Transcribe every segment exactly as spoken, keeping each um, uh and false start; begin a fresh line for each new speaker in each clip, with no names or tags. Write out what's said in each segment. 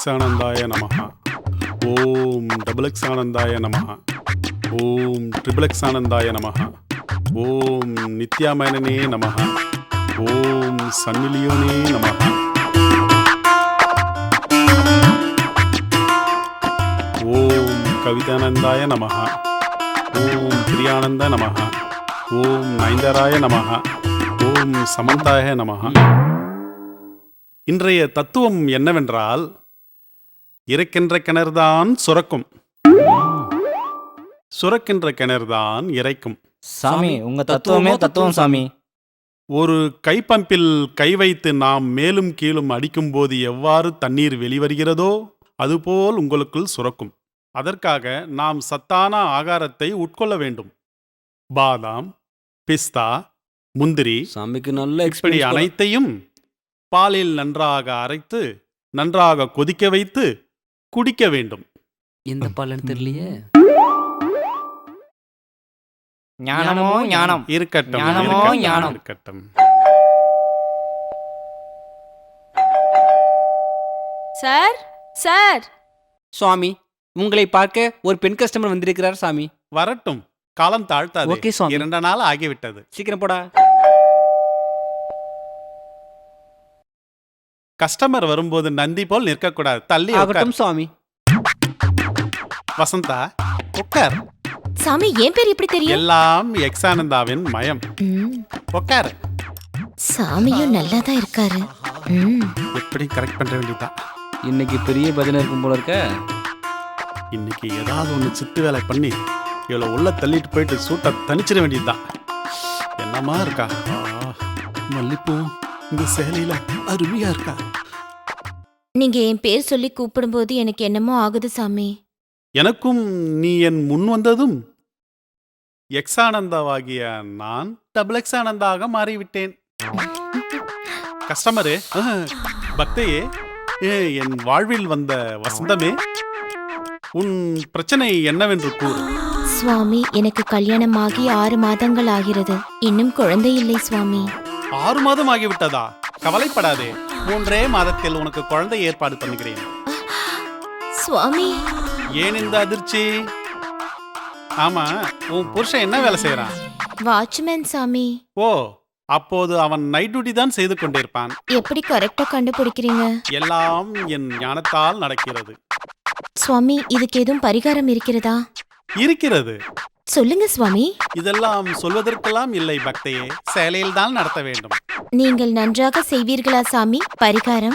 எக்ஸானந்தாய நமஹ. ஓம் டபுள் எக்ஸானந்தாய நமஹ. ஓம் ட்ரிபிள் எக்ஸானந்தாய நமஹ. ஓம் நித்யாமயனே நமஹ. ஓம் சன்மிலியோனே நமஹ. ஓம் கவிதானந்தாய நமஹ. ஓம் பிரியானந்த நமஹ. ஓம் நயன்தாராய நமஹ. ஓம் சமந்தாய நமஹ. இன்றைய தத்துவம் என்னவென்றால், இறைக்கின்ற கிணறுதான் சுரக்கும், சுரக்கின்ற கிணறுதான் இறைக்கும்.
சாமி உங்க தத்துவமே தத்துவம் சாமி.
ஒரு கைப்பம்பில் கை வைத்து நாம் மேலும் கீழும் அடிக்கும்போது எவ்வாறு தண்ணீர் வெளிவருகிறதோ அதுபோல் உங்களுக்குள் சுரக்கும். அதற்காக நாம் சத்தான ஆகாரத்தை உட்கொள்ள வேண்டும். பாதாம், பிஸ்தா, முந்திரி
சாமிக்கு நல்ல
இப்படி
எக்ஸ்பீரியன்ஸ் போல.
அனைத்தையும் பாலில் நன்றாக அரைத்து நன்றாக கொதிக்க வைத்து குடிக்க வேண்டும்.
எந்த பாலன்னு தெரியலையே.
ஞானமோ ஞானம்.
இருக்கட்டும்,
ஞானமோ
இருக்கட்டும்,
ஞானம்.
இருக்கட்டும்.
சார் சார்
சுவாமி உங்களை பார்க்க ஒரு பெண் கஸ்டமர் வந்திருக்கிறார் சாமி.
வரட்டும், காலம் தாழ்த்தாது.
ஓகே சுவாமி.
இரண்டு நாள் ஆகிவிட்டது.
சீக்கிரம் போடா.
கஸ்டமர் வரும்போது நந்தி போல் நிற்கக்கூடாது. தள்ளி உட்கார்.
ஆகட்டும் சுவாமி.
வசந்தா, உட்கார்.
சாமி ஏன் பேர் இப்படி தெரியும்?
எல்லாம் எக்ஸானந்தாவின் மயம்.
ம்,
உட்கார்.
சாமியும் நல்லா தான் இருக்காரு. ம்,
எப்படி கரெக்ட் பண்ற வேண்டியதுதான்.
இன்னைக்கு பெரிய பஜனை இருக்கும் போல இருக்க.
இன்னைக்கு ஏதாவது ஒன்று சித்து வேலை பண்ணி இவ்வளோ உள்ள தள்ளிட்டு போயிட்டு சூட்டை தணிச்சிட வேண்டியதுதான். என்னமா இருக்கா ஆ, மல்லிப்பூ இந்த சேலையில அருமையா இருக்கா.
நீங்க என் பேர் சொல்லி கூப்பிடும்போது எனக்கு என்னமோ ஆகுது சாமி.
எனக்கும் நீ என் முன் வந்ததும் எக்ஸானந்தாவாகிய நான் டபுள் எக்ஸானந்தாக மாறிவிட்டேன். கஸ்டமரு, அஹ், பக்தையே, ஏ, என் வாழ்வில் வந்த வசந்தமே, உன் பிரச்சனை என்னவென்று கூறு.
சுவாமி எனக்கு கல்யாணம் ஆகி ஆறு மாதங்கள் ஆகிறது. இன்னும் குழந்தை இல்லை சுவாமி.
ஆறு மாதம் ஆகிவிட்டதா? கவலைப்படாதே, மூன்றே மாதத்தில் உனக்கு குழந்தை ஏற்பாடு பண்ணுகிறேன்.
சுவாமி
ஏன் இந்த அதிர்ச்சி? ஆமா, உன் புருஷன் என்ன வேலை செய்யறான்?
வாட்ச்மேன் சாமி.
ஓ, அப்போது அவன் நைட் டியூட்டி தான் செய்து கொண்டிருப்பான்.
எப்படி கரெக்டா கண்டுபிடிக்கிறீங்க?
எல்லாம் என் ஞானத்தால் நடக்கிறது.
சுவாமி இதுக்கு எதுவும் பரிகாரம் இருக்கிறதா?
இருக்கிறது.
சொல்லுங்க சுவாமி.
இதெல்லாம் சொல்வதற்கெல்லாம் இல்லை பக்தையே, சேலையில் தான் நடத்த வேண்டும்.
நீங்கள் நன்றாக செய்வீர்களா சாமி? பரிகாரம்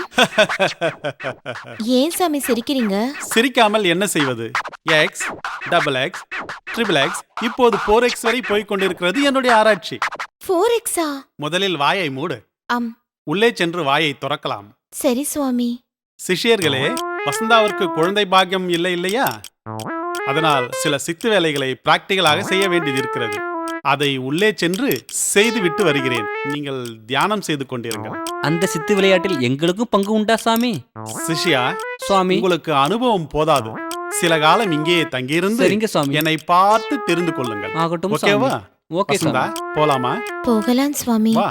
ஏன் சாமி சிரிக்கிறீங்க?
சிரிக்காமல் என்ன செய்வது? X, double X, triple X, இப்போது போர் எக்ஸ் வரை போய்க் கொண்டிருக்கிறது என்னுடைய ஆராய்ச்சி.
ஃபோர் எக்ஸா?
முதலில் வாயை மூடு.
ஆம்
உள்ளே சென்று வாயை துறக்கலாம்.
சரி சுவாமி.
சிஷ்யர்களே, வசந்தாவிற்கு குழந்தை பாக்கியம் இல்லை இல்லையா? அதனால் சில சித்து வேலைகளை பிராக்டிகலாக செய்ய வேண்டியது இருக்கிறது. அதை உள்ளே சென்று செய்துவிட்டு வருகிறேன். நீங்கள் தியானம் செய்து கொண்டிருங்கள்.
அந்த சித்து விளையாட்டில் எங்களுக்கும் பங்கு உண்டா சாமி?
சிஷ்யா,
சுவாமி
உங்களுக்கு அனுபவம் போதாது. சில காலம் இங்கே தங்கியிருந்து
சரிங்க சுவாமி.
என்னை பார்த்து தெரிந்து கொள்ளுங்கள்.
ஆகட்டும்
ஓகேவா?
சாமி. ஓகே
வசந்தா,
சாமி.
போலாமா?
போகலாம் சுவாமி.
வா.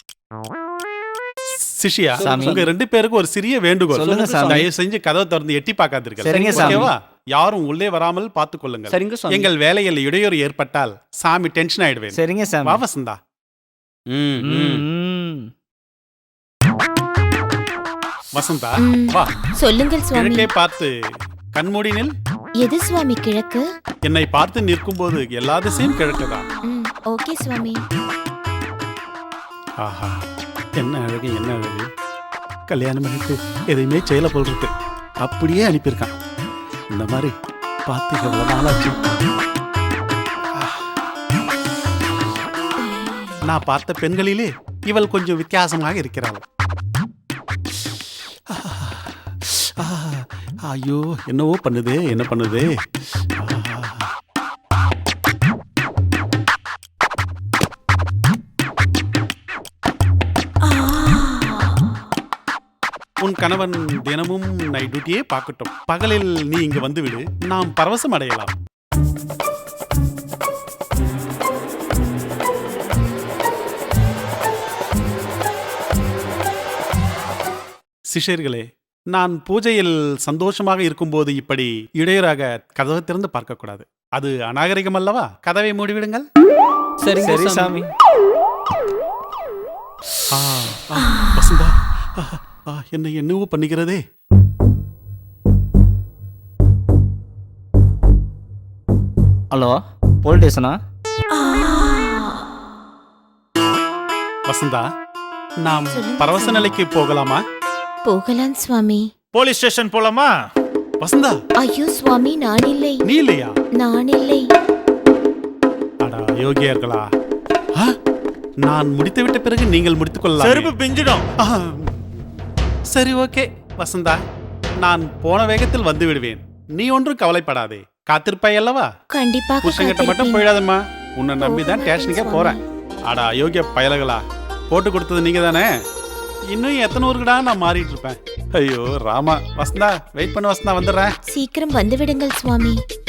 சிஷ்யா,
சாமி.
உங்க ரெண்டு பேருக்கு ஒரு சிறிய வேண்டுகோள்.
சொல்லுங்க சாமி.
தயவு செஞ்சு கதவை திறந்து எட்டி பார்க்காதீர்கள்.
சரிங்க சாமி.
ஓகேவா? யாரும் உள்ளே வராமல் பார்த்துக் கொள்ளுங்கள்.
சரிங்க சாமி.
எங்கள் வேலையில் இடையூறு ஏற்பட்டால் சாமி டென்ஷன் ஆயிடுவேன்.
சரிங்க சாமி.
வா வசந்தா.
ம், ம்.
ம்.
வசந்தா,
ம்.
வா.
சொல்லுங்கள் சுவாமி.
கிழக்கே பார்த்து கண்மூடினில்.
எது சுவாமி கிழக்கு?
என்னை பார்த்து நிற்கும் போது எல்லா திசையும் கிழக்குதான்.
ம், ஓகே சுவாமி.
ஆஹா, என்ன அழகு, என்ன அழகு. கல்யாணம் பண்ணிட்டு எதையுமே செயல போல் இருக்கு. அப்படியே அனுப்பியிருக்கான். இந்த மாதிரி பார்த்து எவ்வளவு நாளாச்சு. நான் பார்த்த பெண்களிலே இவள் கொஞ்சம் வித்தியாசமாக இருக்கிறாள். ஐயோ, என்னவோ பண்ணுது, என்ன பண்ணுது. உன் கணவன் தினமும் நைட் டியூட்டியே பார்க்கட்டும். பகலில் நீ இங்கு வந்துவிடு, நாம் பரவசம் அடையலாம். சிஷ்யர்களே, நான் பூஜையில் சந்தோஷமாக இருக்கும்போது இப்படி இடையூறாக கதவை திறந்து பார்க்கக்கூடாது. அது அநாகரிகம் அல்லவா? கதவை மூடிவிடுங்கள்.
சரிங்க
சரி
சாமி.
சாமி.
ஆ, ஆ, வசந்தா ஆ, ஆ, என்னை என்னவோ பண்ணுகிறதே.
ஹலோ போலீஸ் ஸ்டேஷனா?
வசந்தா, நாம்
சொல்லுங்க
பரவச
சாமி.
நிலைக்கு போகலாமா?
போகலாம் சுவாமி.
போலீஸ் ஸ்டேஷன் போலாமா?
வசந்தா,
ஐயோ சுவாமி, நான் இல்லை,
நீ இல்லையா?
நான் இல்லை.
அடா யோகியர்களா, ஆ, நான் முடித்துவிட்ட பிறகு நீங்கள் முடித்துக்
செருப்பு
கொள்ளலாம்.
பிஞ்சிடும்.
சரி, ஓகே வசந்தா, நான் போன வேகத்தில் வந்து விடுவேன். நீ ஒன்றும் கவலைப்படாதே. காத்திருப்பாய் அல்லவா?
கண்டிப்பாக
புருஷங்கிட்ட மட்டும்
காத்திருப்பேன்.
போயிடாதம்மா. உன்னை நம்பி தான்
போக
ஸ்டேஷனுக்கே
மாட்டேன்
போறேன். அடா யோகிய பயலகளா, போட்டு கொடுத்தது நீங்க தானே. இன்னும் எத்தனை ஊருக்குடா நான் மாறிட்டு இருப்பேன். ஐயோ ராமா. வசந்தா, வெயிட் பண்ண வசந்தா, வந்துடுறேன்.
சீக்கிரம் வந்து விடுங்கள் சுவாமி.